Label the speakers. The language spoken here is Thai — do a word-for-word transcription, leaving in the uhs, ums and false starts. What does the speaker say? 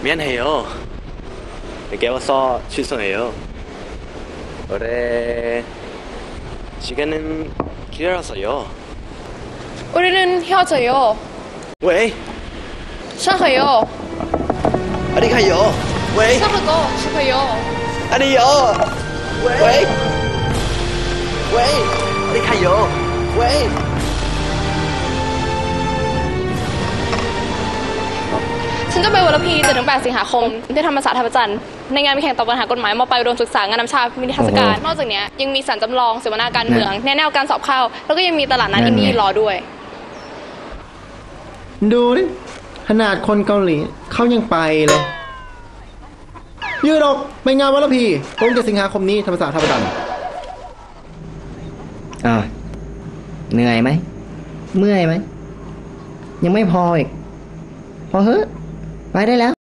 Speaker 1: 미안해요. 늦게 와서 죄송해요. 올해 시간은 길어서요.
Speaker 2: 우리는 헤어져요.
Speaker 1: 왜?
Speaker 2: 싫어요.
Speaker 1: 어디 가요? 왜?
Speaker 2: 싸우고 싶어요.
Speaker 1: 아니요. 왜? 왜? 어디 가요? 왜?
Speaker 2: ฉันจะไปวรพีเจ็ดถึงแปดสิงหาคมที่ธรรมศาสตร์ท่าพระจันทร์ในงานมีแข่งตอบปัญหากฎหมายมปลายอุดมศึกษางานนำชามีนิทรรศการนอกจากนี้ยังมีสารจำลองเสวนาการเมืองแนะแนวการสอบเข้าแล้วก็ยังมีตลาดนัดอินดี้รอด้วย
Speaker 3: ดูดิขนาดคนเกาหลีเขายังไปเลยยืดออกไปงานวัลพีตรงเจ็ดสิงหาคมนี้ธรรมศาสตร์ท่าพระจันทร์
Speaker 4: อ่าเหนื่อยไหมเมื่อยไหมยังไม่พออีกพอเฮ้ไปได้แล้ว